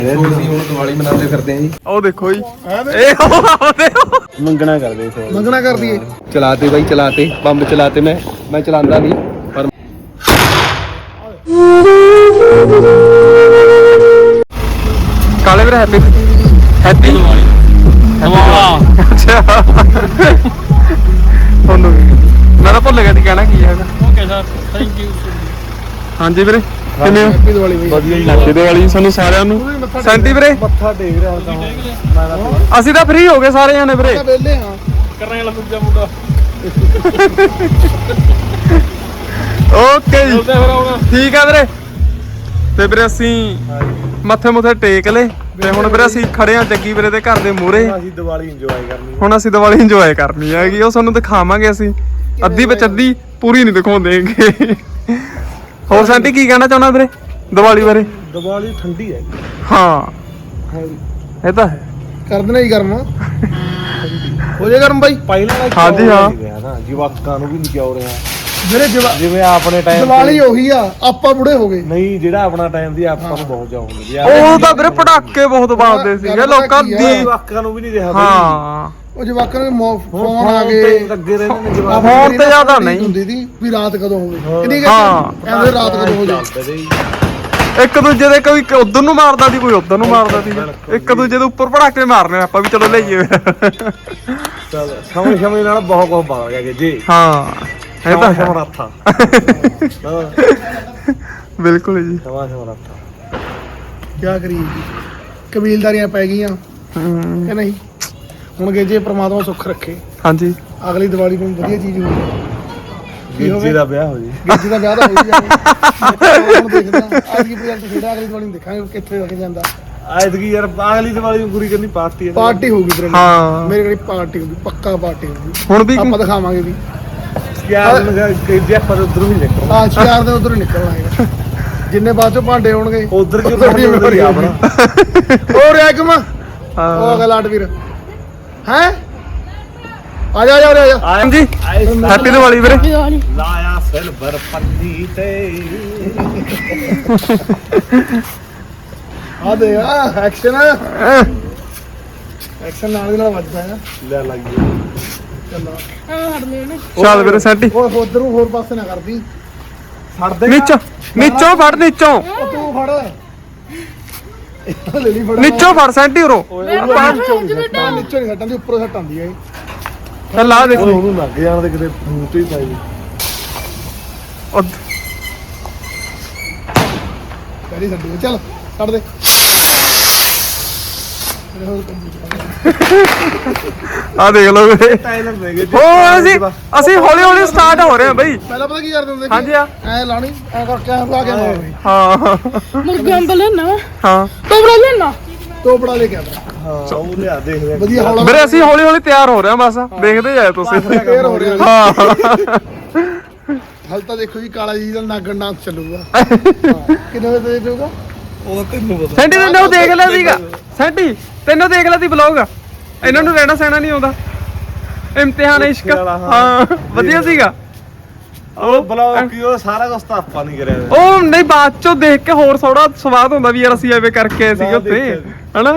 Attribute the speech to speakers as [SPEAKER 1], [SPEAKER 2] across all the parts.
[SPEAKER 1] ਅਸੀਂ ਹੁਣ ਦੀਵਾਲੀ ਮਨਾਉਂਦੇ ਫਿਰਦੇ ਆਂ ਜੀ।
[SPEAKER 2] ਉਹ ਦੇਖੋ ਜੀ ਇਹ
[SPEAKER 1] ਮੰਗਣਾ ਕਰਦੇ
[SPEAKER 3] ਮੰਗਣਾ ਕਰ ਦਈਏ।
[SPEAKER 1] ਚਲਾਤੇ ਬਾਈ ਚਲਾਤੇ ਬੰਬ ਚਲਾਤੇ ਮੈਂ ਚਲਾਉਂਦਾ ਨਹੀਂ ਪਰ
[SPEAKER 2] ਕਾਲੇ ਵੀਰ ਹੈਪੀ ਦੀਵਾਲੀ ਅੱਛਾ ਤੁਹਾਨੂੰ ਮੈਂ ਤਾਂ ਭੁੱਲ ਗਿਆ ਸੀ ਕਹਿਣਾ ਕੀ ਹੈਗਾ।
[SPEAKER 4] Okay sir thank you.
[SPEAKER 2] ਹਾਂਜੀ ਵੀਰੇ ਕਿਵੇਂ ਹੋ?
[SPEAKER 3] ਹੈਪੀ ਦੀਵਾਲੀ
[SPEAKER 1] ਵਧੀਆ ਜੀ।
[SPEAKER 2] ਹੈਪੀ ਦੀਵਾਲੀ ਸਾਨੂੰ ਸਾਰਿਆਂ ਨੂੰ। ਸੈਂਟੀ ਵੀਰੇ
[SPEAKER 1] ਮੱਥਾ ਟੇਕ ਰਿਹਾ ਤਾਂ
[SPEAKER 2] ਅਸੀਂ ਤਾਂ ਫ੍ਰੀ ਹੋ ਗਏ ਸਾਰੇ ਜਾਣੇ ਵੀਰੇ।
[SPEAKER 3] ਵੇਲੇ ਹਾਂ
[SPEAKER 4] ਕਰਨੇ ਵਾਲਾ ਦੂਜਾ ਮੁੰਡਾ
[SPEAKER 2] ਓਕੇ ਜੀ
[SPEAKER 4] ਚੱਲਦੇ ਫਿਰ ਆਉਣਾ।
[SPEAKER 2] ਠੀਕ ਆ ਵੀਰੇ। ਤੇ ਵੀਰੇ ਅਸੀਂ ਮੱਥੇ ਮੁੱਥੇ ਟੇਕ ਲਏ ਤੇ ਹੁਣ ਵੀਰੇ ਅਸੀਂ ਖੜੇ ਆ ਜੱਗੀ ਵੀਰੇ ਦੇ ਘਰ ਦੇ ਮੂਹਰੇ।
[SPEAKER 1] ਅਸੀਂ ਦੀਵਾਲੀ ਇੰਜੋਏ ਕਰਨੀ
[SPEAKER 2] ਹੁਣ ਅਸੀਂ ਦੀਵਾਲੀ ਇੰਜੋਏ ਕਰਨੀ ਹੈਗੀ ਉਹ ਤੁਹਾਨੂੰ ਦਿਖਾਵਾਂਗੇ ਅਸੀਂ ਅੱਧੀ ਵਿੱਚ ਅੱਧੀ ਪੂਰੀ ਨਹੀਂ ਦਿਖਾਉਂਦੇਗੇ। ਹੋਰ ਸੈਂਟੀ ਕੀ ਕਹਿਣਾ ਚਾਹੁੰਦਾ ਵੀਰੇ ਦੀਵਾਲੀ ਬਾਰੇ?
[SPEAKER 1] ਦੀਵਾਲੀ ਠੰਡੀ ਹੈ
[SPEAKER 2] ਹਾਂ ਇਹ ਤਾਂ ਹੈ।
[SPEAKER 3] ਕਰ ਦੇਣਾ ਹੀ ਗਰਮ ਹੋ ਜੇ ਗਰਮ ਬਾਈ।
[SPEAKER 1] ਪਹਿਲਾਂ
[SPEAKER 2] ਹਾਂਜੀ, ਹਾਂ।
[SPEAKER 1] ਨਾ ਜਵਾਕਾਂ ਨੂੰ ਵੀ ਨਹੀਂ ਕਿਉਂ ਰਿਹਾ
[SPEAKER 3] ਮੇਰੇ
[SPEAKER 1] ਜਿਵੇਂ ਆਪਣੇ ਟਾਈਮ
[SPEAKER 3] ਦੀਵਾਲੀ ਉਹੀ ਆ ਆਪਾਂ ਬੁੜੇ ਹੋ ਗਏ।
[SPEAKER 1] ਨਹੀਂ ਜਿਹੜਾ ਆਪਣਾ ਟਾਈਮ ਸੀ ਆਪਾਂ ਨੂੰ ਬਹੁਤ ਚਾਹ ਹੁੰਦੀ
[SPEAKER 2] ਉਹ ਤਾਂ ਵੀਰੇ ਪਟਾਕੇ ਬਹੁਤ ਬਾਲਦੇ ਸੀਗੇ ਲੋਕਾਂ ਦੀ।
[SPEAKER 1] ਜਵਾਕਾਂ ਨੂੰ ਵੀ ਨਹੀਂ ਰਿਹਾ
[SPEAKER 2] ਹਾਂ
[SPEAKER 3] ਉਹ ਜਵਾਕਾਂ ਨੂੰ ਫੋਨ ਆ ਗਏ
[SPEAKER 1] ਲੱਗੇ ਰਹਿੰਦੇ ਨੇ ਜਵਾਕ
[SPEAKER 2] ਫੋਨ ਤੇ ਜ਼ਿਆਦਾ ਨਹੀਂ
[SPEAKER 3] ਹੁੰਦੀ ਸੀ ਵੀ ਰਾਤ ਕਦੋਂ ਹੋਵੇ ਕਿੰਨੀ
[SPEAKER 2] ਹਾਂ।
[SPEAKER 3] ਕਹਿੰਦੇ ਰਾਤ ਕਦੋਂ ਹੋ ਜਾਏ।
[SPEAKER 2] ਇੱਕ ਦੂਜੇ ਦੇ ਕੋਈ ਉਧਰ ਨੂੰ ਮਾਰਦਾ ਸੀ ਕੋਈ ਉਧਰ ਨੂੰ ਮਾਰਦਾ ਸੀ। ਇੱਕ ਦੂਜੇ ਦੇ ਉੱਪਰ ਪਟਾਕੇ ਮਾਰਨੇ ਆਪਾਂ ਵੀ ਚਲੋ ਲਈਏ।
[SPEAKER 1] ਸਮੇਂ ਨਾਲ ਬਹੁਤ ਕੁਝ ਬਦਲ ਗਿਆ ਜੀ।
[SPEAKER 2] ਹਾਂ ਇਹ ਤਾਂ ਹੈ।
[SPEAKER 1] ਸਮਰੱਥਾ
[SPEAKER 2] ਬਿਲਕੁਲ ਜੀ।
[SPEAKER 1] ਸਮਰੱਥਾ
[SPEAKER 3] ਕੀ ਕਰੀਏ ਜੀ ਕਬੀਲਦਾਰੀਆਂ ਪੈ ਗਈਆਂ ਕਿ ਨਹੀਂ। ਹੁਣ ਜੇ ਪ੍ਰਮਾਤਮਾ ਸੁੱਖ ਰੱਖੇ
[SPEAKER 2] ਹਾਂਜੀ
[SPEAKER 3] ਅਗਲੀ ਦੀਵਾਲੀ ਨੂੰ ਵਧੀਆ ਚੀਜ਼ ਹੋਵੇ।
[SPEAKER 1] ਗਿੱਜੀ ਦਾ ਵਿਆਹ ਹੋ ਜੀ।
[SPEAKER 3] ਗਿੱਜੀ ਦਾ ਵਿਆਹ ਤਾਂ ਹੋ ਹੀ ਜਾਵੇ। ਹੁਣ ਦੇਖਦੇ ਆ ਅੱਜ ਕੀ ਪ੍ਰੋਜੈਕਟ ਖੇਡਾ ਅਗਲੀ ਦੀਵਾਲੀ ਨੂੰ ਦੇਖਾਂਗੇ ਕਿੱਥੇ ਲੱਗ ਜਾਂਦਾ।
[SPEAKER 1] ਐਤਕੀ ਯਾਰ ਅਗਲੀ ਦੀਵਾਲੀ ਨੂੰ ਪੂਰੀ ਕਰਨੀ ਪਾਰਟੀ ਹੈ।
[SPEAKER 3] ਪਾਰਟੀ ਹੋਊਗੀ ਤੇਰੇ
[SPEAKER 2] ਹਾਂ।
[SPEAKER 3] ਮੇਰੇ ਕੋਲ ਪਾਰਟੀ ਹੋਊਗੀ ਪੱਕਾ ਪਾਰਟੀ ਹੋਊਗੀ।
[SPEAKER 2] ਹੁਣ ਵੀ
[SPEAKER 3] ਆਪਾਂ ਦਿਖਾਵਾਂਗੇ ਵੀ
[SPEAKER 1] ਯਾਰ ਜੇ ਆਪਾਂ ਉਧਰੋਂ ਹੀ ਨਿਕਲ
[SPEAKER 3] ਆ ਸ਼ਿਕਾਰ ਦੇ ਉਧਰ ਨਿਕਲਣਾ ਹੈਗਾ। ਜਿੰਨੇ ਬਾਅਦ ਚੋਂ ਭਾਂਡੇ ਹੋਣਗੇ
[SPEAKER 1] ਉਧਰ ਕਿਉਂ ਨਹੀਂ ਆਪਣਾ
[SPEAKER 3] ਹੋਰ ਐਕਮ ਉਹ ਅਗਲਾ ਲਾਟ ਵੀਰ ਹੈ ਆ ਜਾ ਆ ਜਾ
[SPEAKER 2] ਹਾਂਜੀ ਹੈਪੀ ਦੀਵਾਲੀ ਵੀਰੇ।
[SPEAKER 1] ਲਾਇਆ ਸਿਲਵਰ ਪੱਤੀ ਤੇ
[SPEAKER 3] ਆ ਦੇ ਆ ਐਕਸ਼ਨ ਐਕਸ਼ਨ ਨਾਲ ਦੀ ਨਾਲ ਵੱਜਦਾ ਹੈ।
[SPEAKER 1] ਲੈ ਲੱਗੀ
[SPEAKER 3] ਚੱਲਾ
[SPEAKER 2] ਚੱਲ ਵੀਰੇ ਸੈਂਟੀ
[SPEAKER 3] ਉਹ ਉਧਰ ਨੂੰ ਹੋਰ ਪਾਸੇ ਨਾ ਕਰਦੀ
[SPEAKER 1] ਛੱਡ
[SPEAKER 2] ਨੀਚੋਂ ਨੀਚੋਂ ਫੜ ਨੀਚੋਂ
[SPEAKER 3] ਉਹ ਤੂੰ ਫੜ ਲੈ ਲਈ ਫੜ
[SPEAKER 2] ਨੀਚੋਂ ਫੜ ਸੈਂਟੀ ਉਰੋ
[SPEAKER 3] ਨੀਚੋਂ ਨਹੀਂ ਸੱਟਾਂ ਉੱਪਰੋਂ ਸੱਟ ਆਉਂਦੀ ਹੈ।
[SPEAKER 2] ਚੱਲ ਆ ਦੇਖੋ
[SPEAKER 1] ਉਹਨੂੰ ਲੱਗ ਜਾਣ ਦੇ ਕਿਤੇ ਮੂੰਹ ਤੇ ਹੀ ਪਾਈ
[SPEAKER 3] ਪਹਿਲੀ ਸੱਟੀ ਚੱਲ ਛੱਡ ਦੇ
[SPEAKER 2] ਆ ਦੇਖ ਲਓ ਵੀਰੇ।
[SPEAKER 1] ਟਾਈਲਰ ਦੇ ਗਏ
[SPEAKER 2] ਹੋਰ ਅਸੀਂ ਹੌਲੀ ਹੌਲੀ ਸਟਾਰਟ ਹੋ ਰਹੇ ਹਾਂ ਬਈ।
[SPEAKER 3] ਪਹਿਲਾਂ ਪਤਾ ਕੀ ਕਰਦੇ ਹੁੰਦੇ ਸੀ?
[SPEAKER 2] ਹਾਂਜੀ ਆ
[SPEAKER 3] ਐ ਲਾਣੀ ਐ ਕਰਕੇ ਐ ਲਾ ਕੇ ਮਾਰਨੀ
[SPEAKER 2] ਹਾਂ
[SPEAKER 5] ਮੁਰਗਾ ਅੰਬ ਲੈਣਾ
[SPEAKER 2] ਹਾਂ
[SPEAKER 5] ਤੋਬੜਾ ਲੈਣਾ
[SPEAKER 3] ਤੋਪੜਾ ਲੈ ਕੇ ਆਉਂਦਾ
[SPEAKER 1] ਹਾਂ ਉਹ ਲਿਆ ਦੇਖਦੇ
[SPEAKER 3] ਵਧੀਆ ਹੌਲਾ
[SPEAKER 2] ਵੀਰੇ ਅਸੀਂ ਹੌਲੀ ਹੌਲੀ ਤਿਆਰ ਹੋ ਰਹੇ ਹਾਂ ਬਸ ਦੇਖਦੇ ਜਾਏ ਤੁਸੀਂ।
[SPEAKER 3] ਫੇਰ ਹੋ ਰਿਹਾ
[SPEAKER 2] ਹਾਂ
[SPEAKER 3] ਹਲ ਤਾਂ ਦੇਖੋ ਜੀ ਕਾਲਾ ਜੀ ਦਾ ਨਾਗਣ ਨਾਚ ਚੱਲੂਗਾ। ਕਿੰਨੇ ਵਜੇ ਤੇ ਜਾਊਗਾ?
[SPEAKER 1] ਉਹ ਤੈਨੂੰ ਪਤਾ
[SPEAKER 2] ਸੈਂਟੀ ਤੈਨੂੰ ਦੇਖ ਲਿਆ ਸੀਗਾ ਸੈਂਟੀ ਤੈਨੂੰ ਦੇਖ ਲਿਆ ਸੀ ਬਲੌਗ। ਇਹਨਾਂ ਨੂੰ ਰਹਿਣਾ ਸਹਿਣਾ ਨਹੀਂ ਆਉਂਦਾ। ਇਮਤਿਹਾਨ ਇਸ਼ਕ ਹਾਂ ਵਧੀਆ ਸੀਗਾ
[SPEAKER 1] ਉਹ ਬਲੌਗ ਕੀ ਉਹ ਸਾਰਾ ਕੁਝ ਤਾਂ ਆਪਾਂ ਨਹੀਂ ਕਰਿਆ
[SPEAKER 2] ਉਹ ਨਹੀਂ ਬਾਅਦ ਚੋਂ ਦੇਖ ਕੇ ਹੋਰ ਥੋੜਾ ਸਵਾਦ ਹੁੰਦਾ ਵੀ ਯਾਰ ਅਸੀਂ ਐਵੇਂ ਕਰਕੇ ਆਏ ਸੀਗੇ ਉੱਥੇ ਹਨਾ।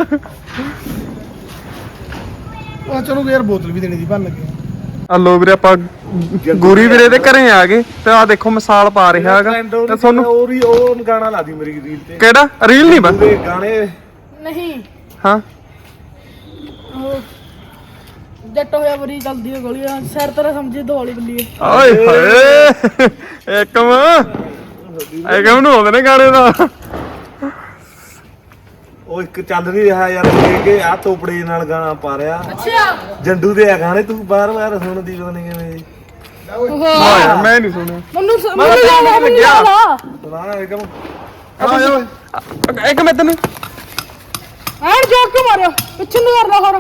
[SPEAKER 3] ਉਹ ਚਲੋ ਯਾਰ ਬੋਤਲ ਵੀ ਦੇਣੀ ਸੀ ਭੰਨ ਲੱਗੇ।
[SPEAKER 2] ਹਲੋ ਵੀਰੇ ਆਪਾਂ ਗੂਰੀ ਵੀਰੇ ਦੇ ਘਰੇ ਆ ਗਏ ਤੇ ਆ ਦੇਖੋ ਮਿਸਾਲ ਪਾ ਰਿਹਾ ਹੈਗਾ ਤੇ ਤੁਹਾਨੂੰ
[SPEAKER 1] ਉਹ ਗਾਣਾ ਲਾ ਦੀ ਮੇਰੀ ਰੀਲ ਤੇ
[SPEAKER 2] ਕਿਹੜਾ ਰੀਲ ਨਹੀਂ ਬਸ
[SPEAKER 1] ਪੂਰੇ ਗਾਣੇ
[SPEAKER 5] ਨਹੀਂ
[SPEAKER 2] ਹਾਂ
[SPEAKER 5] ਉਹ ਜੱਟ ਹੋਇਆ ਬਰੀ ਚੱਲਦੀ ਹੈ ਗੋਲੀਆਂ ਸਿਰ ਤਰ੍ਹਾਂ ਸਮਝੀ ਦਿਵਾਲੀ ਬੱਲੀ
[SPEAKER 2] ਓਏ ਹੋਏ ਇੱਕਮ ਨੂੰ ਆਉਂਦੇ ਨੇ ਗਾਣੇ ਦਾ।
[SPEAKER 1] ਉਹ ਇੱਕ ਚੱਲ ਨਹੀਂ ਰਿਹਾ ਯਾਰ ਕਿ ਆ ਤੋਪੜੇ ਨਾਲ ਗਾਣਾ ਪਾ ਰਿਹਾ
[SPEAKER 5] ਅੱਛਾ
[SPEAKER 1] ਜੰਡੂ ਦੇ ਆ ਗਾਣੇ ਤੂੰ ਬਾਰ-ਬਾਰ ਸੁਣਦੀ ਪਤਾ ਨਹੀਂ ਕਿਵੇਂ
[SPEAKER 2] ਹਾਂ ਯਾਰ ਮੈਂ ਨਹੀਂ ਸੁਣਿਆ।
[SPEAKER 5] ਮੈਨੂੰ ਮੈਨੂੰ ਲਾ
[SPEAKER 1] ਸੁਣਾ ਇੱਕਮ
[SPEAKER 2] ਇੱਕ ਮੈਂ ਤੈਨੂੰ
[SPEAKER 5] ਐਨ ਜੋਕ ਕੇ ਮਾਰਿਆ ਪਿੱਛੇ ਨੂੰ ਕਰਦਾ ਹੋਰ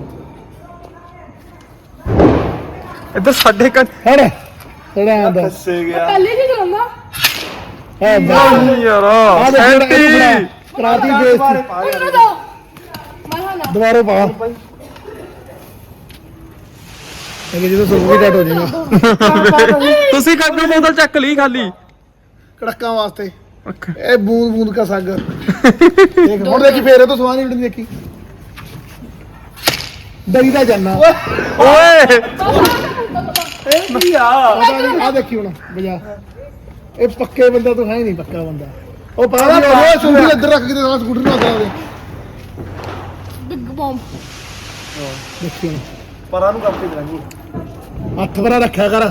[SPEAKER 2] ਇੱਧਰ ਸਾਡੇ ਘਰ
[SPEAKER 3] ਹੜ ਥੋੜਾ ਆਂਦਾ
[SPEAKER 1] ਫਸੇ ਗਿਆ
[SPEAKER 5] ਪਹਿਲੇ ਜੀ ਚਲਾਉਂਦਾ
[SPEAKER 3] ਹੈ
[SPEAKER 2] ਯਾਰ ਸੈਂਟੀ
[SPEAKER 3] ਕਰਾਤੀ ਬੇਇੱਜ਼ਤੀ
[SPEAKER 5] ਉਹਨੂੰ ਦੋ ਮੈਂ ਹਾਂ
[SPEAKER 3] ਦੁਬਾਰਾ ਪਾ ਇਹ ਜਦੋਂ ਸੁੱਕ ਵੀ ਡਟ ਹੋ ਜਾਏਗਾ
[SPEAKER 2] ਤੁਸੀਂ ਕਾਗੂ ਬੋਤਲ ਚੱਕ ਲਈ ਖਾਲੀ
[SPEAKER 3] ਕੜਕਾਂ ਵਾਸਤੇ ਇਹ ਬੂੰਦ ਬੂੰਦ ਕਾ ਸਾਗਰ ਦੇਖ ਹੁਣ ਦੇਖੀ ਫੇਰ ਇਹ ਤੋਂ ਸਵਾਦ ਨਹੀਂ ਦੇਖੀ ਦਰੀ ਦਾ ਜਾਨਾ
[SPEAKER 2] ਓਏ
[SPEAKER 1] ਇਹ ਕੀ ਆ
[SPEAKER 3] ਆ ਦੇਖੀ ਹੁਣ ਬਜਾ ਇਹ ਪੱਕੇ ਬੰਦਾ ਤੂੰ ਹੈ ਹੀ ਨਹੀਂ ਪੱਕਾ ਬੰਦਾ ਉਹ ਪਤਾ ਨਹੀਂ ਉਹ ਸੁੰਡੀ ਇੱਧਰ ਰੱਖ ਕੇ ਤੇ ਸਾਲਾ ਸਕੂਟਰ ਨੂੰ ਆਉਂਦਾ ਉਹਦੇ
[SPEAKER 5] ਬਿੱਗ ਬੌਮ
[SPEAKER 3] ਦੇਖੀ ਹੁਣ
[SPEAKER 1] ਪਰਾਂ ਨੂੰ ਕਰਕੇ ਕਰਾਂਗੇ
[SPEAKER 3] ਹੱਥ ਭਰਾ ਰੱਖਿਆ ਕਰ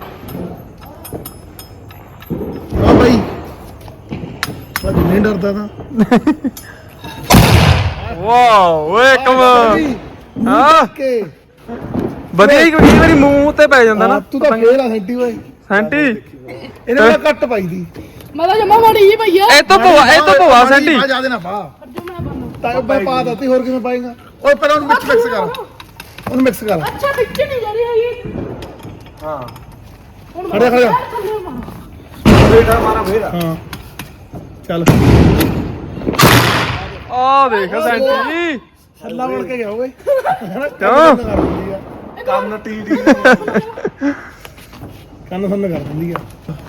[SPEAKER 3] ਆ ਬਾਈ ਅੱਜ ਨਹੀਂ ਡਰਦਾ ਤਾਂ
[SPEAKER 2] ਵਾਓ ਓਏ ਕਮ ਹਾਂ
[SPEAKER 3] ਕੇ
[SPEAKER 2] ਵਧੀਆ ਹੀ ਕਈ ਵਾਰੀ ਮੂੰਹ ਤੇ ਪੈ ਜਾਂਦਾ ਨਾ
[SPEAKER 3] ਤੂੰ ਤਾਂ ਫੇਰ ਆ ਸੈਂਟੀ ਓਏ
[SPEAKER 2] ਸੈਂਟੀ
[SPEAKER 3] ਇਹਨੇ ਨਾਲ ਘੱਟ ਪਾਈ ਦੀ
[SPEAKER 5] ਮੈਂ ਤਾਂ ਜਮਾ ਮਾੜੀ ਹੀ ਪਈ ਆ
[SPEAKER 2] ਇਹ ਤੋਂ ਭਵਾ ਸੈਂਟੀ
[SPEAKER 3] ਆ ਜਾ ਦੇ ਨਾ ਪਾ
[SPEAKER 5] ਜੋ ਮੈਂ ਪਾਣਾ
[SPEAKER 3] ਤਾਂ ਮੈਂ ਪਾ ਦਿੱਤੀ ਹੋਰ ਕਿਵੇਂ ਪਾਏਗਾ ਓਏ ਪਹਿਲਾਂ ਉਹਨੂੰ ਮਿਕਸ ਕਰ ਉਹਨੂੰ ਮਿਕਸ ਕਰ
[SPEAKER 5] ਅੱਛਾ ਵਿੱਚ ਨਹੀਂ ਜਾ ਰਹੀ ਹੈਗੀ
[SPEAKER 1] ਹਾਂ
[SPEAKER 5] ਹੁਣ
[SPEAKER 3] ਖੜਿਆ ਖੜਿਆ
[SPEAKER 1] ਬੇਟਾ ਮਾਰਾ ਫੇਰ
[SPEAKER 3] ਹਾਂ ਚੱਲ
[SPEAKER 2] ਆ ਦੇਖ ਸੈਂਟੀ
[SPEAKER 3] ਹੱਲਾ ਬਣ ਕੇ ਗਿਆ ਓਏ
[SPEAKER 2] ਕਿਉਂ?
[SPEAKER 1] ਕੰਨ ਟੀ
[SPEAKER 3] ਕੰਨ ਸੰਨ ਕਰ ਦਿੰਦੀ ਆ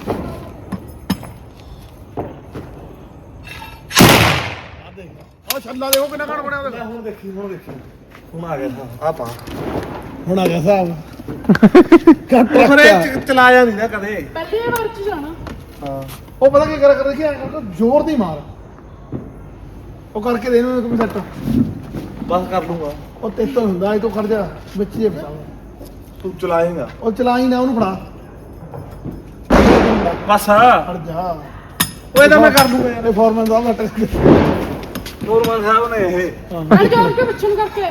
[SPEAKER 3] ਆ ਦੇਖ ਉਹ ਛੱਲਾ ਦੇਖੋ ਕਿੰਨਾ ਘਣ ਬਣਿਆ ਉਹਦਾ
[SPEAKER 1] ਹੁਣ ਦੇਖੀ ਹੁਣ ਆ ਗਿਆ ਆ ਪਾ
[SPEAKER 3] ਹੁਣ ਆ ਗਿਆ ਹਿਸਾਬ ਕੱਟ
[SPEAKER 1] ਉਹ ਫਿਰ ਚਲਾਇਆ ਨਹੀਂ ਨਾ ਕਦੇ
[SPEAKER 5] ਪਹਿਲੀ ਵਾਰ ਚ ਜਾਣਾ
[SPEAKER 1] ਹਾਂ
[SPEAKER 3] ਉਹ ਪਤਾ ਕੀ ਕਰ ਦੇਖਿਆ ਜ਼ੋਰ ਦੀ ਮਾਰ ਉਹ ਕਰਕੇ ਦੇ ਇਹਨੂੰ ਇੱਕ ਸੈੱਟ
[SPEAKER 1] ਬਸ ਕਰ ਲੂੰਗਾ
[SPEAKER 3] ਉਹ ਤੇ ਤੋਂ ਹੁੰਦਾ ਇਹ ਤੋਂ ਖੜ ਜਾ ਵਿੱਚ ਜੇ ਫਸਾ
[SPEAKER 1] ਤੂੰ ਚਲਾਏਗਾ
[SPEAKER 3] ਉਹ ਚਲਾਈ ਨਾ ਉਹਨੂੰ ਫੜਾ
[SPEAKER 1] ਬਸ
[SPEAKER 3] ਖੜ ਜਾ
[SPEAKER 1] ਓਏ ਤਾਂ ਮੈਂ ਕਰ ਲੂੰਗਾ ਯਾਰ
[SPEAKER 3] ਇਹ ਫੋਰਮੈਨ ਦਾ ਮਟਰ
[SPEAKER 1] ਨੂਰਮਨ ਸਾਹਿਬ ਨੇ ਇਹ
[SPEAKER 5] ਅੜ ਜੋੜ ਕੇ ਪਿੱਛੇ ਨੂੰ ਕਰਕੇ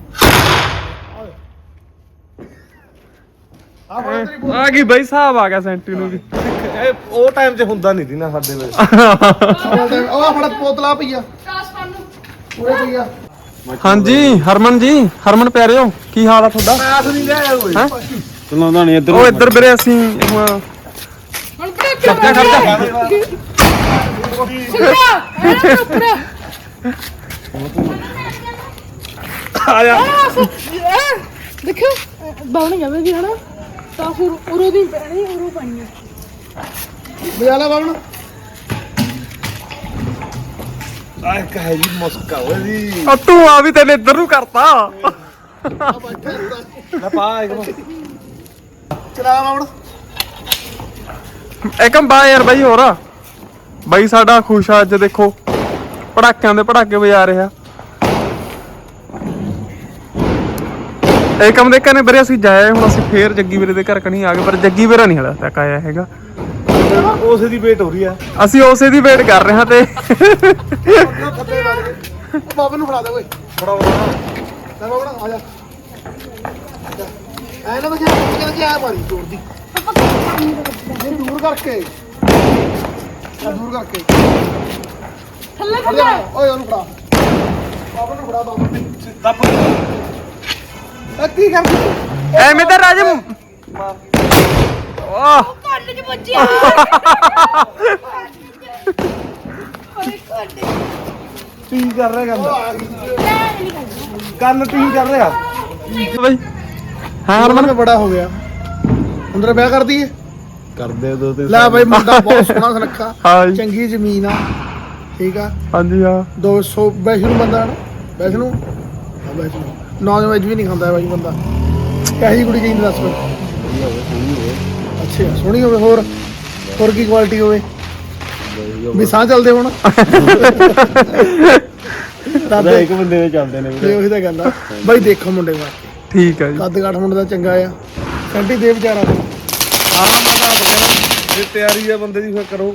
[SPEAKER 3] ਆ ਫੜ ਤੇਰੀ
[SPEAKER 2] ਆ ਗਈ ਬਈ ਹਿਸਾਬ ਆ ਗਿਆ ਸੈਂਟੀ ਨੂੰ ਵੀ
[SPEAKER 1] ਇਹ ਉਹ ਟਾਈਮ 'ਚ ਹੁੰਦਾ ਨਹੀਂ ਸੀ ਨਾ ਸਾਡੇ ਵੇਲੇ
[SPEAKER 3] ਬੋਤਲ ਉਹ ਆ ਫੜ ਬੋਤਲਾਂ ਪਈਆ
[SPEAKER 5] ਕਾਸ ਪਾਣ ਨੂੰ
[SPEAKER 3] ਪੂਰੇ ਪਈਆ
[SPEAKER 2] ਹਾਂਜੀ ਹਰਮਨ ਜੀ ਹਰਮਨ ਪਿਆਰਿਓ ਕੀ ਹਾਲ ਆ ਤੁਹਾਡਾ
[SPEAKER 1] ਪੈਸ ਨਹੀਂ ਲਿਆ ਓਏ
[SPEAKER 2] ਹੈਂ?
[SPEAKER 1] ਚਲਾਉਂਦਾ ਨਹੀਂ ਇੱਧਰ
[SPEAKER 2] ਉਹ ਇੱਧਰ ਵੀਰੇ ਅਸੀਂ ਹੁਣ
[SPEAKER 5] ਹੁਣ ਪੜਾ
[SPEAKER 2] ਖਰਚਾ
[SPEAKER 5] ਸਿੱਧਾ ਐ ਉੱਪਰ
[SPEAKER 1] ਆ ਜਾ
[SPEAKER 5] ਦੇਖੋ ਬਾਉਣ ਜਾਵੇਗੀ ਹਨਾ ਤਾਂ ਫਿਰ ਉਰੋਂ ਦੀ ਪੈਣੀ ਉਰੋਂ ਪਾਣੀ
[SPEAKER 3] ਬਜਾ ਲਾ ਬਾਬਣ
[SPEAKER 1] ਆ ਇੱਕ ਹੈ ਜੀ ਮੁਸਕਾ ਓਏ ਜੀ
[SPEAKER 2] ਉਹ ਤੂੰ ਆ ਵੀ ਤੈਨੇ ਇੱਧਰ ਨੂੰ ਕਰਤਾ
[SPEAKER 1] ਲੈ ਪਾ ਇੱਕ
[SPEAKER 3] ਚਲਾ ਬਾਬਣ
[SPEAKER 2] ਇੱਕਮ ਬਾ ਯਾਰ ਬਾਈ ਹੋਰ ਬਾਈ ਸਾਡਾ ਖੁਸ਼ ਆ ਅੱਜ ਦੇਖੋ ਪੜਾਕਿਆਂ ਦੇ ਪੜਾਕੇ ਵਜਾ ਰਿਹਾ ਏਕਮ ਦੇ ਘਰੇ ਵੀਰੇ ਅਸੀਂ ਜਾਏ ਹੁਣ ਅਸੀਂ ਫੇਰ ਜੱਗੀ ਵੀਰੇ ਦੇ ਘਰ ਕਣੀ ਆ ਗਏ ਪਰ ਜੱਗੀ ਵੀਰਾ ਨਹੀਂ ਹਲੇ ਤੱਕ ਆਇਆ ਹੈਗਾ
[SPEAKER 1] ਉਸੇ ਦੀ ਵੇਟ ਹੋ ਰਹੀ ਆ
[SPEAKER 2] ਅਸੀਂ ਉਸੇ ਦੀ ਵੇਟ ਕਰ ਰਹੇ ਹਾਂ ਤੇ
[SPEAKER 3] ਬਾਬਨ ਨੂੰ ਫੜਾ ਦੇ ਓਏ
[SPEAKER 1] ਬੜਾ
[SPEAKER 3] ਲੈ ਬਾਬਣ ਆ ਜਾ ਐ ਨਾ ਬਜਾ ਕਿਹਦੇ ਆ ਮਾਰੀ ਜ਼ੋਰ ਦੀ ਇਹ ਦੂਰ ਕਰਕੇ ਆ ਦੂਰ ਕਰਕੇ
[SPEAKER 5] ਥੱਲੇ
[SPEAKER 3] ਫੜ ਜਾ ਓਏ ਉਹਨੂੰ ਫੜਾ ਬਾਬਨ ਨੂੰ ਫੜਾ ਬਾਬਨ
[SPEAKER 1] ਦੱਬ
[SPEAKER 3] ਇਹ ਕੀ ਕਰਦੀ
[SPEAKER 2] ਐਵੇਂ ਤਾਂ ਰਾਜਮ ਵਾਹ
[SPEAKER 5] ਕੰਨ ਚ ਵੱਜਿਆ
[SPEAKER 1] ਟੀ ਕਰ ਰਿਹਾ ਕੰਨ ਟੀ ਕਰ ਰਿਹਾ
[SPEAKER 2] ਬਾਈ ਹਾਂ ਹਰਮਨ
[SPEAKER 3] ਮਨ ਬੜਾ ਹੋ ਗਿਆ ਅੰਦਰ ਵਿਆਹ ਕਰ ਦਈਏ
[SPEAKER 1] ਕਰਦੇ ਦੋ ਤੇ
[SPEAKER 3] ਲੈ ਬਾਈ ਮੁੰਡਾ ਬਹੁਤ ਸੋਹਣਾ ਸੁਨੱਖਾ
[SPEAKER 2] ਹਾਂ ਜੀ
[SPEAKER 3] ਚੰਗੀ ਜ਼ਮੀਨ ਆ ਠੀਕ ਆ
[SPEAKER 2] ਹਾਂਜੀ ਹਾਂ
[SPEAKER 3] 200 ਵੈਸ਼ਨੂੰ ਬੰਦਾ ਨਾ ਵੈਸ਼ਨੂੰ ਹਾਂ ਵੈਸ਼ਨੂੰ ਨੌਨ ਵੈਜ ਵੀ ਨਹੀਂ ਖਾਂਦਾ ਬਾਈ ਬੰਦਾ ਕਿਹੋ ਜਿਹੀ ਕੁੜੀ ਚਾਹੀਦੀ ਦੱਸ ਮੈਨੂੰ ਅੱਛਾ ਸੋਹਣੀ ਹੋਵੇ ਹੋਰ ਕੀ ਕੁਆਲਿਟੀ ਹੋਵੇ ਵੀ ਸਾਹ ਚੱਲਦੇ ਹੁਣ ਦਾਦੇ
[SPEAKER 1] ਇੱਕ ਬੰਦੇ ਦੇ ਚੱਲਦੇ ਨੇ
[SPEAKER 3] ਤੇ ਉਹੀ ਤਾਂ ਗੱਲ ਆ ਬਾਈ ਦੇਖੋ ਮੁੰਡੇ ਦਾ
[SPEAKER 2] ਠੀਕ ਹੈ ਜੀ
[SPEAKER 3] ਕੱਦ ਕਾਠ ਮੁੰਡੇ ਦਾ ਚੰਗਾ ਆ ਸੈਂਟੀ ਦੇ ਵਿਚਾਰਾ ਤੇ
[SPEAKER 1] ਜੇ ਤਿਆਰੀ ਆ ਬੰਦੇ ਦੀ ਫਿਰ ਕਰੋ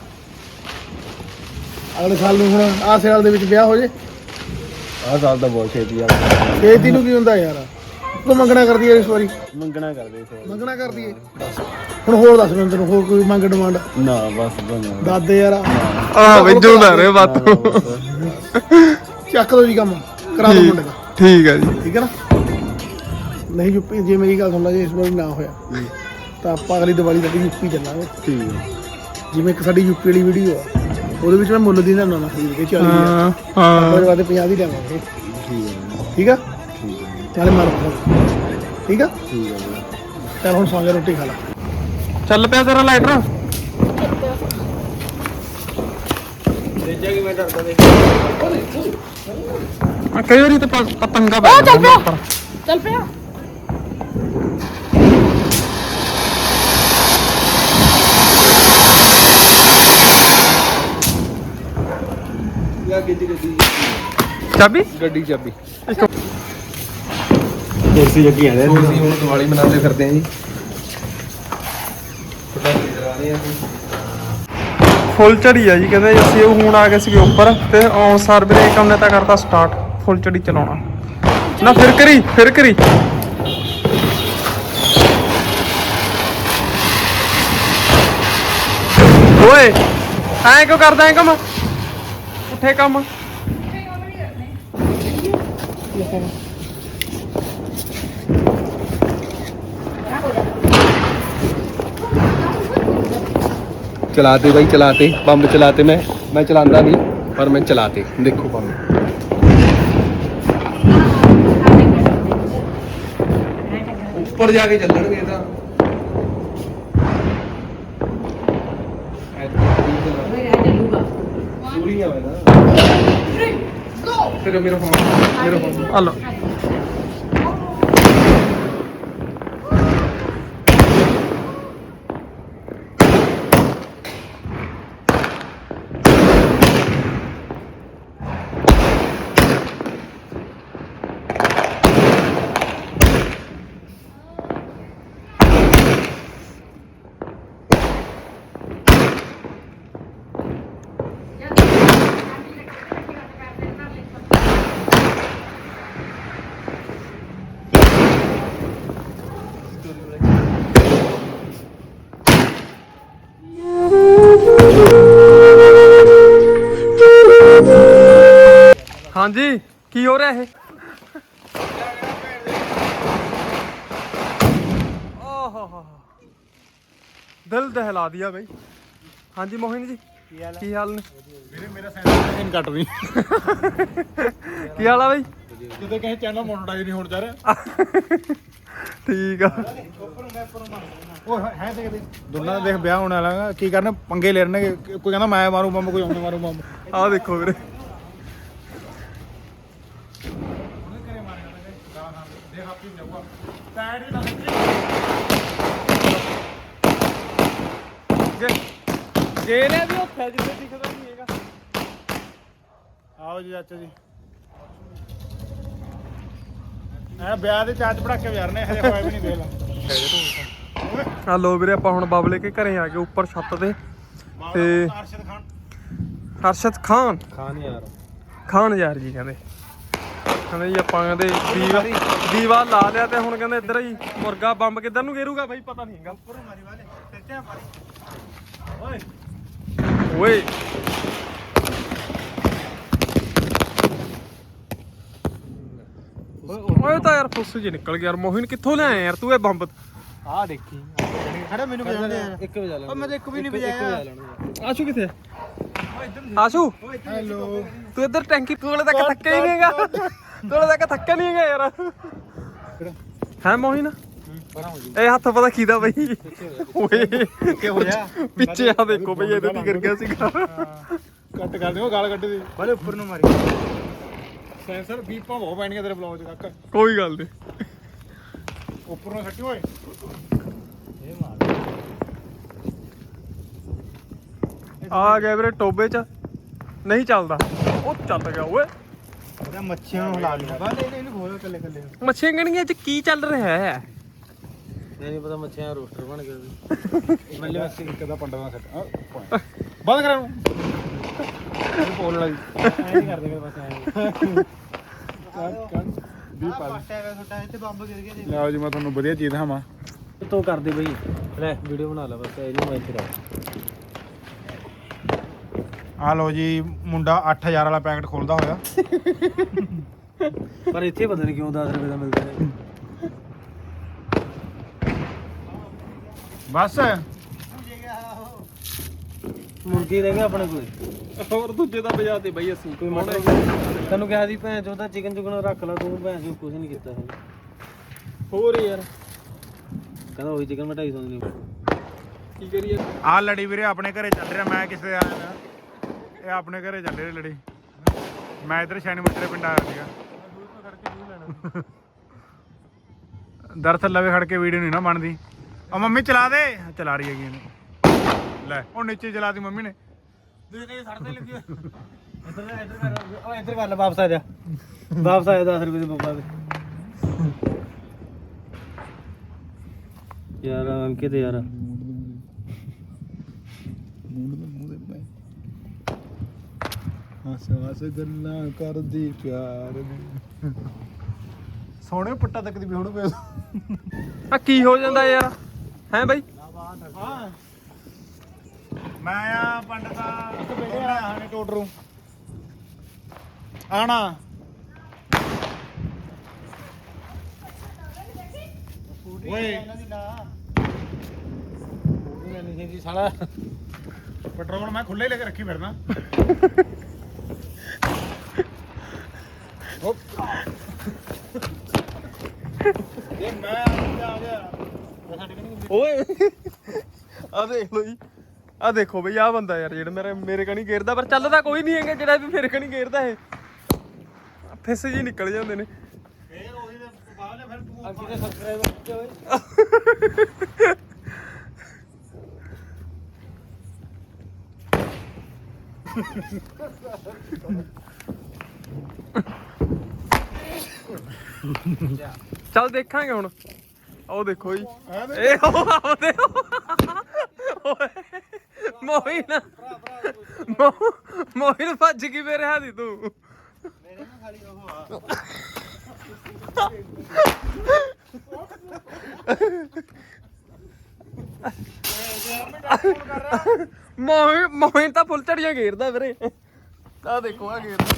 [SPEAKER 3] ਅਗਲੇ ਸਾਲ ਨੂੰ ਹੁਣ ਆਹ ਸਾਲ ਦੇ ਵਿੱਚ ਵਿਆਹ ਹੋ ਜੇ
[SPEAKER 1] ਆਹ ਸਾਲ ਦਾ ਬਹੁਤ ਛੇਤੀ ਆ
[SPEAKER 3] ਛੇਤੀ ਨੂੰ ਕੀ ਹੁੰਦਾ ਯਾਰ ਤੂੰ ਮੰਗਣਾ ਕਰਦੀ ਐ ਇਸ ਵਾਰੀ
[SPEAKER 1] ਮੰਗਣਾ ਕਰਦੇ ਸੀ
[SPEAKER 3] ਮੰਗਣਾ ਕਰਦੀ ਐ ਹੁਣ ਹੋਰ ਦੱਸ ਮੈਨੂੰ ਤੈਨੂੰ ਹੋਰ ਕੋਈ ਮੰਗ ਡਿਮਾਂਡ
[SPEAKER 1] ਨਾ ਬਸ ਬਣਾ
[SPEAKER 3] ਦਾਦੇ ਯਾਰ
[SPEAKER 2] ਆ ਬਈ ਜੁਦਾ ਰੇ ਬਾਤੂ
[SPEAKER 3] ਚੱਕ ਦੋ ਜੀ ਕੰਮ ਕਰਾ ਦੋ ਮੁੰਡੇ ਦਾ
[SPEAKER 2] ਠੀਕ ਹੈ ਜੀ
[SPEAKER 3] ਠੀਕ ਹੈ ਨਾ ਨਹੀਂ ਯੂਪੀ ਜੇ ਮੇਰੀ ਗੱਲ ਸੁਣ ਲਾ ਜੇ ਇਸ ਵਾਰੀ ਨਾ ਹੋਇਆ ਤਾਂ ਆਪਾਂ ਅਗਲੀ ਦੀਵਾਲੀ ਤੱਕ ਯੂਪੀ ਚੱਲਾਂਗੇ
[SPEAKER 1] ਠੀਕ ਹੈ
[SPEAKER 3] ਜਿਵੇਂ ਇੱਕ ਸਾਡੀ ਯੂਪੀ ਵਾਲੀ ਵੀਡੀਓ ਆ ਉਹਦੇ ਵਿੱਚ ਮੈਂ ਮੁੱਲ ਦੀ ਨਾ ਖਰੀਦ ਕੇ 40
[SPEAKER 2] ਹਾਂ ਹਾਂ
[SPEAKER 3] ਉਹਦੇ ਬਾਅਦ 50 ਦੀ ਦੇਵਾਂਗੇ ਠੀਕ ਆ ਨਾਲੇ ਮਾਰ ਠੀਕ ਆ ਚੱਲ ਹੁਣ ਸੌਂ ਜਾ ਰੋਟੀ ਖਾ ਲਾ
[SPEAKER 2] ਚੱਲ ਪਿਆ ਤੇਰਾ ਲਾਈਟਰ
[SPEAKER 1] ਤੇਜਾ ਕਿ ਮੈਂ ਡਰਦਾ ਦੇਖ
[SPEAKER 2] ਕਈ ਵਾਰੀ ਤੇ ਪਤੰਗਾ ਪੈ
[SPEAKER 5] ਉਹ ਚੱਲ
[SPEAKER 2] ਜਾਂਦਾ
[SPEAKER 5] ਪਿਆ ਚੱਲ ਪਿਆ
[SPEAKER 1] ਯਾ ਗੱਡੀ
[SPEAKER 2] ਚਾਬੀ
[SPEAKER 1] ਗੱਡੀ ਚਾਬੀ
[SPEAKER 2] ਇੱਕ
[SPEAKER 1] ਕੁਰਸੀ ਜੱਗੀ ਆਂਦੇ
[SPEAKER 6] ਅਸੀਂ ਹੁਣ ਦੀਵਾਲੀ ਮਨਾਉਂਦੇ ਫਿਰਦੇ ਆਂ ਜੀ ਪਟਾਕੇ ਚਲਾ ਰਹੇ ਆਂ ਅਸੀਂ
[SPEAKER 2] ਫੁੱਲ ਝੜੀ ਆ ਜੀ ਕਹਿੰਦੇ ਅਸੀਂ ਉਹ ਹੁਣ ਆ ਗਏ ਸੀਗੇ ਉੱਪਰ ਤੇ ਆਉਣ ਸਾਰ ਵੀਰੇ ਕੰਮ ਨੇ ਤਾਂ ਕਰਤਾ ਸਟਾਰਟ ਫੁੱਲ ਝੜੀ ਚਲਾਉਣਾ ਨਾ ਫਿਰ ਕਰੀ ਓਏ ਐਂ ਕਿਉਂ ਕਰਦਾ ਐ ਕੰਮ ਉੱਠੇ ਕੰਮ
[SPEAKER 6] चलाते भाई चलाते बम चलाते मैं चलाता नहीं पर मैं चलाते देखो बम ऊपर जाके चलणगे ਤਾਂ ਪੂਰੀਆਂ ਵੇ ਨਾ ਫਿਰ ਮੇਰਾ ਫੋਨ
[SPEAKER 2] ਆ ਲਓ ਹਾਂਜੀ ਕੀ ਹੋ ਰਿਹਾ ਇਹ ਓਹ ਦਿਲ ਦਹਿਲਾ ਦਿਆ ਬਈ ਹਾਂਜੀ ਮੋਹਿਨ ਜੀ ਕੀ ਹਾਲ ਨੇ
[SPEAKER 4] ਵੀਰੇ ਮੇਰਾ ਸੈਂਸਰ ਕੱਟ ਰਹੀ
[SPEAKER 2] ਕੀ ਹਾਲ ਆ ਬਈ
[SPEAKER 4] ਕਿਤੇ ਕਿਸੇ ਚੈਨਲ ਮੋਨਟਾਈਜ਼ ਨਹੀਂ ਹੋਣ ਜਾ ਰਿਹਾ
[SPEAKER 2] ਠੀਕ ਆ
[SPEAKER 4] ਉਹ ਹੈ ਤੇ ਦੋਨਾਂ ਦਾ ਦੇਖ ਵਿਆਹ ਹੋਣ ਵਾਲਾ ਕੀ ਕਰਨ ਪੰਗੇ ਲੈਣਗੇ ਕੋਈ ਕਹਿੰਦਾ ਮੈਂ ਮਾਰੂ ਬੰਬ ਕੋਈ ਆਉਂਦਾ ਮਾਰੂ ਬੰਬ
[SPEAKER 2] ਆਹ ਦੇਖੋ ਵੀਰੇ ਗੇਰੇ ਵੀ ਉੱਥੇ ਜਿੱਥੇ ਦਿਖਦਾ ਨਹੀਂ ਹੈਗਾ
[SPEAKER 4] ਆਓ ਜੀ ਚਾਚਾ ਜੀ ਐ ਵਿਆਹ ਦੇ ਚਾਚ ਪੜਾਕੇ ਵਿਆਰਨੇ ਹਜੇ ਹੋਇਆ ਵੀ ਨਹੀਂ ਦੇਖ ਲਾ
[SPEAKER 2] ਆ ਲੋ ਵੀਰੇ ਆਪਾਂ ਹੁਣ ਬਾਬਲੇ ਕੇ ਘਰੇ ਆ ਗਏ ਉੱਪਰ ਛੱਤ ਤੇ ਤੇ
[SPEAKER 4] ਅਰਸ਼ਦ ਖਾਨ
[SPEAKER 2] ਹਰਸ਼ਦ ਖਾਨ
[SPEAKER 1] ਯਾਰ
[SPEAKER 2] ਖਾਨ ਯਾਰ ਜੀ ਕਹਿੰਦੇ ਜੀ ਆਪਾਂ ਕਹਿੰਦੇ ਦੀਵਾ ਲਾ ਲਿਆ ਤੇ ਹੁਣ ਕਹਿੰਦੇ ਇੱਧਰ ਹੀ ਮੁਰਗਾ ਬੰਬ ਕਿੱਧਰ ਨੂੰ ਗੇਰੂਗਾ ਬਾਈ ਪਤਾ ਨਹੀਂ ਹੈਗਾ
[SPEAKER 4] ਉੱਪਰੋਂ ਮਾਰੀ ਵਾਲੇ ਸੱਚਾ ਮਾਰੀ ਓਏ
[SPEAKER 2] ਓਏ ਓਏ ਤਾਂ ਯਾਰ ਫੁੱਸ ਜੀ ਨਿਕਲ ਗਿਆ ਯਾਰ ਮੋਹਿਨ ਕਿੱਥੋਂ ਲਿਆਇਆ ਯਾਰ ਤੂੰ ਇਹ ਬੰਬ
[SPEAKER 1] ਆ ਦੇਖੀ
[SPEAKER 4] ਖੜਾ ਮੈਨੂੰ ਵਜਾਉਂਦੇ ਯਾਰ
[SPEAKER 1] ਇੱਕ ਵਜਾ ਲੈ
[SPEAKER 4] ਮੈਂ ਤਾਂ ਇੱਕ ਵੀ ਨਹੀਂ ਵਜਾਇਆ
[SPEAKER 2] ਆਸ਼ੂ ਕਿੱਥੇ ਆਸ਼ੂ
[SPEAKER 4] ਹੈਲੋ
[SPEAKER 2] ਤੂੰ ਇੱਧਰ ਟੈਂਕੀ ਕੋਲੇ ਤੱਕ ਥੱਕਿਆ ਹੀ ਨਹੀਂ ਹੈਗਾ ਕੋਲੇ ਤੱਕ ਥੱਕਿਆ ਨਹੀਂ ਹੈਗਾ ਯਾਰ ਹੈ ਮੋਹਿਨ ਇਹ ਹੱਥ ਪਤਾ ਕੀਦਾ ਬਈ ਓਏ
[SPEAKER 4] ਕੀ ਹੋਇਆ
[SPEAKER 2] ਪਿੱਛੇ ਆ ਦੇਖੋ ਬਈ ਇਹਦੇ ਕੀ ਕਰ ਗਿਆ ਸੀਗਾ
[SPEAKER 4] ਕੱਟ ਕਰ ਦਿਓ ਗਾਲ ਕੱਢ ਦੇ ਬਾਲੇ ਉੱਪਰ ਨੂੰ ਮਾਰੀ ਸੈਂਸਰ ਬੀਪਾਂ ਬਹੁਤ ਪੈਣੀਆਂ ਤੇਰੇ ਬਲੌਗ 'ਚ ਕਾਕਾ
[SPEAKER 2] ਕੋਈ ਗੱਲ ਨਹੀਂ
[SPEAKER 4] ਉੱਪਰ ਨੂੰ ਸੱਟੀ ਓਏ
[SPEAKER 2] ਆ ਗਿਆ ਵੀਰੇ ਟੋਬੇ ਚ ਨਹੀਂ ਚੱਲਦਾ ਉਹ ਚੱਲ ਗਿਆ ਓਏ
[SPEAKER 4] ਉਹਦਾ ਮੱਛੀਆਂ ਨੂੰ ਹਿਲਾ ਲਿਆ ਬਾਲੇ ਇਹਨੂੰ ਖੋਲੋ ਕੱਲੇ ਕੱਲੇ
[SPEAKER 2] ਮੱਛੀਆਂ ਗਣੀਆਂ ਚ ਕੀ ਚੱਲ ਰਿਹਾ ਹੈ
[SPEAKER 1] ਨਹੀਂ ਪਤਾ ਮੱਛੀਆਂ ਰੋਸਟਰ ਬਣ ਗਿਆ
[SPEAKER 4] ਮੱਲੇ ਅਸੀਂ ਇੱਕ ਦਾ ਪੰਡਾ ਨਾ ਸੱਟ ਬੰਦ ਕਰਾਂ ਨੂੰ ਬੋਲਣ ਵਾਲੀ ਐ ਨਹੀਂ ਕਰਦੇ ਮੇਰੇ ਪਾਸ ਐ ਵੀ ਪਾ
[SPEAKER 3] ਇੱਥੇ ਬੰਬ ਗਿਰ ਗਿਆ
[SPEAKER 4] ਲਓ ਜੀ ਮੈਂ ਤੁਹਾਨੂੰ ਵਧੀਆ ਚੀਜ਼ ਦਿਖਾਵਾਂ
[SPEAKER 1] ਤੋ ਕਰਦੇ ਬਈ ਲੈ ਵੀਡੀਓ ਬਣਾ ਲੈ ਬਸ ਇਹਨੂੰ ਮੈਂ ਇੱਥੇ ਰੱਖ
[SPEAKER 4] ਆ ਲਓ ਜੀ ਮੁੰਡਾ 8000 ਵਾਲਾ ਪੈਕਟ ਖੋਲਦਾ ਹੋਇਆ
[SPEAKER 1] ਪਰ ਇੱਥੇ ਪਤਾ ਨਹੀਂ ਕਿਉਂ 10 ਰੁਪਏ ਦਾ ਮਿਲਦਾ ਹੈ
[SPEAKER 4] ਬਸ
[SPEAKER 1] ਮੁਰਗੀ ਰਹਿ ਗਿਆ ਆਪਣੇ ਕੋਲ
[SPEAKER 2] ਹੋਰ ਦੂਜੇ ਦਾ ਵਜਾ ਤੇ ਬਈ ਅਸੀਂ
[SPEAKER 1] ਕੋਈ ਮਟਰ ਤੈਨੂੰ ਕਿਹਾ ਸੀ ਭੈਣ ਚੋਦਾ ਚਿਕਨ ਚੁਕਨ ਰੱਖ ਲਾ ਤੂੰ ਭੈਣ ਚੋ ਕੁਝ ਨਹੀਂ ਕੀਤਾ ਹੈ
[SPEAKER 2] ਹੋਰ ਯਾਰ
[SPEAKER 1] ਕਹਿੰਦਾ ਉਹੀ ਚਿਕਨ ਮੈਂ 250 ਨਹੀਂ
[SPEAKER 2] ਕੀ ਕਰੀਏ
[SPEAKER 4] ਆ ਲੜੀ ਵੀਰੇ ਆਪਣੇ ਘਰੇ ਚੱਲ ਰਿਹਾ ਮੈਂ ਕਿਸੇ ਦੇ ਆਇਆ ਇਹ ਆਪਣੇ ਘਰੇ ਜਾਂਦੇ ਨੇ ਲੜੀ ਮੈਂ ਇਧਰ ਸ਼ੈਣੀ ਮੁੱਟਰੇ ਪਿੰਡ ਆਇਆ ਸੀਗਾ ਦਰਅਸਲ ਲਵੇ ਖੜ ਕੇ ਵੀਡੀਓ ਨਹੀਂ ਨਾ ਬਣਦੀ ਆ ਮੰਮੀ ਚਲਾ ਦੇ ਚਲਾ ਰਹੀ ਹੈਗੀ ਇਹਨੂੰ ਲੈ ਉਹ ਨੀਚੇ ਚਲਾਤੀ ਮੰਮੀ ਨੇ
[SPEAKER 1] ਇੱਧਰ ਕਰ ਲੈ ਵਾਪਸ ਆ ਜਾ ਵਾਪਸ ਆ ਜਾ 10 ਰੁਪਏ ਦੇ ਪਾਪਾ ਦੇ ਯਾਰ ਅੰਕਿਤ ਯਾਰ
[SPEAKER 4] ਹੱਸ ਹੱਸ ਗੱਲਾਂ ਕਰਦੀ ਪਿਆਰ ਦੀ ਸੋਹਣੇ ਪੱਟਾ ਤੱਕ ਦੀ ਵੀ ਹੁਣ ਪੈ
[SPEAKER 2] ਆ ਕੀ ਹੋ ਜਾਂਦਾ ਯਾਰ ਹੈ ਬਾਈ
[SPEAKER 4] ਹਾਂ ਮੈਂ ਆ ਪੰਡਤਾ ਦੋਨੇ ਆਣੇ ਟੋਟਰੂ ਆਣਾ ਓਏ
[SPEAKER 1] ਨਹੀਂ ਜੀ ਸਾਲਾ
[SPEAKER 4] ਪੈਟਰੋਲ ਮੈਂ ਖੁੱਲੇ ਲੈ ਕੇ ਰੱਖੀ ਫਿਰਨਾ ਇਹ ਮੈਂ ਆ ਗਿਆ
[SPEAKER 2] ਓਏ ਆ ਦੇਖ ਲੋ ਜੀ ਆ ਦੇਖੋ ਬਈ ਆ ਬੰਦਾ ਯਾਰ ਜਿਹੜਾ ਮੇਰੇ ਕਣੀ ਗੇਰਦਾ ਪਰ ਚੱਲਦਾ ਕੋਈ ਨਹੀਂ ਹੈਗਾ ਜਿਹੜਾ ਵੀ ਮੇਰੇ ਕਣੀ ਗੇਰਦਾ ਇਹ ਫਿਸ ਜੀ ਨਿਕਲ ਜਾਂਦੇ ਨੇ
[SPEAKER 4] ਇਹ ਉਹੀ ਦੇ ਬਾਹਰ ਨੇ ਫਿਰ ਤੂੰ
[SPEAKER 1] ਅੰਕਿਤ ਦੇ ਸਬਸਕ੍ਰਾਈਬਰ ਕਿੱਥੇ ਹੋਏ
[SPEAKER 2] ਚੱਲ ਦੇਖਾਂਗੇ ਹੁਣ ਉਹ ਦੇਖੋ ਜੀ ਇਹ ਉਹ ਆਉਂਦੇ ਓਏ ਮੋਹਿਨ ਮੋਹਿਨ ਭੱਜ ਗਈ ਮੇਰੇ ਹੱਥੀ ਤੂੰ
[SPEAKER 1] ਮੇਰੇ ਨਾਲ ਖਾਲੀ ਉਹ ਆ
[SPEAKER 2] ਮੋਹਿਨ ਤਾਂ ਫੁੱਲ ਝੜੀਆਂ ਘੇਰਦਾ ਵੀਰੇ ਆ ਦੇਖੋ ਆ ਘੇਰਦਾ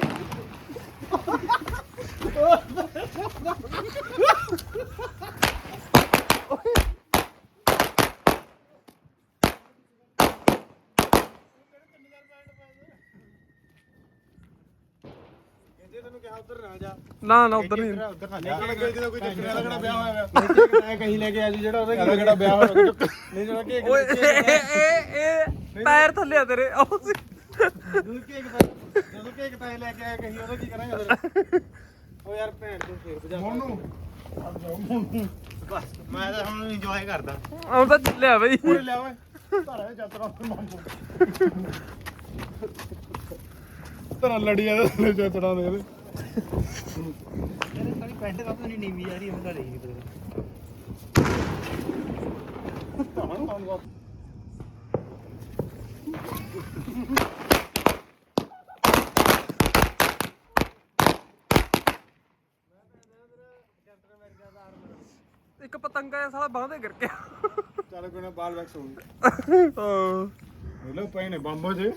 [SPEAKER 1] ਤੈਨੂੰ ਕਿਹਾ ਉਧਰ ਨਾ ਜਾ
[SPEAKER 2] ਨਾ ਉਧਰ ਨਹੀਂ
[SPEAKER 4] ਉਧਰ ਨਾ ਜਾ ਜਦੋਂ ਕੋਈ ਚੱਕਰ ਲੱਗਣਾ ਵਿਆਹ ਹੋਇਆ
[SPEAKER 1] ਮੈਂ ਕਹੀਂ ਲੈ ਕੇ ਆ ਜੀ ਜਿਹੜਾ ਉਹਦਾ
[SPEAKER 4] ਇਹਦਾ ਕਿਹੜਾ ਵਿਆਹ ਹੋਇਆ
[SPEAKER 1] ਨਹੀਂ ਜਿਹੜਾ ਕੇਕ
[SPEAKER 2] ਓਏ ਇਹ ਪੈਰ ਥੱਲੇ ਆ ਤੇਰੇ ਉਹ ਸੀ
[SPEAKER 1] ਜਦੋਂ ਕੇਕ ਤਾਂ ਲੈ ਕੇ ਆਇਆ ਕਹੀਂ ਉਹਦਾ ਕੀ ਕਰਾਂਗੇ ਫਿਰ ਉਹ ਯਾਰ ਭੈਣ ਤੋਂ ਫੇਰ ਬਜਾ
[SPEAKER 4] ਮੋਨੂ
[SPEAKER 1] ਬਸ ਮੈਂ ਤਾਂ ਹੁਣ ਇੰਜੋਏ ਕਰਦਾ
[SPEAKER 2] ਉਹ ਤਾਂ ਚੱਲਿਆ ਬਈ
[SPEAKER 4] ਲਿਆ ਓਏ ਧਾਰਾ ਚਾਤਰਾ ਮਾਮੂ ਤਰਾ ਲੜੀਆਂ ਦੇ ਚਾਤਰਾ ਦੇ ਇਹਦੇ
[SPEAKER 1] ਇਹਨੇ ਸਾਰੀ ਪੈਂਟ ਕਾਪ ਨਹੀਂ ਨੀਵੀਂ ਆ ਰਹੀ ਹੁੰਦਾ ਨਹੀਂ ਪਤਾ
[SPEAKER 2] ਇੱਕ ਪਤੰਗਾ ਜਿਹਾ ਸਾਲਾ ਬਾਂਹ ਤੇ ਗਿਰ ਗਿਆ
[SPEAKER 4] ਚੱਲ ਕੋਈ ਨਾ ਬਾਲ ਵੈਕਸ ਹੋ ਗਈ
[SPEAKER 2] ਹਾਂ
[SPEAKER 4] ਲੋ ਪਏ ਨੇ ਬੰਬੋ ਜੇ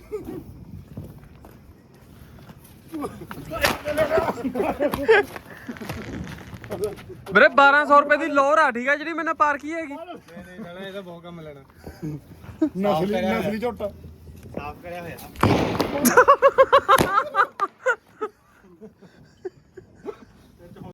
[SPEAKER 2] ਵੀਰੇ 1200 ਰੁਪਏ ਦੀ ਲੋਰ ਆ ਠੀਕ ਆ ਜਿਹੜੀ ਮੈਨੇ ਪਾਰਕੀ ਹੈਗੀ
[SPEAKER 1] ਨਹੀਂ ਸਾਲਾ ਇਹਦਾ ਬਹੁਤ ਕੰਮ ਲੈਣਾ
[SPEAKER 4] ਨਸਲੀ ਝੋਟਾ
[SPEAKER 1] ਸਾਫ਼ ਕਰਿਆ ਹੋਇਆ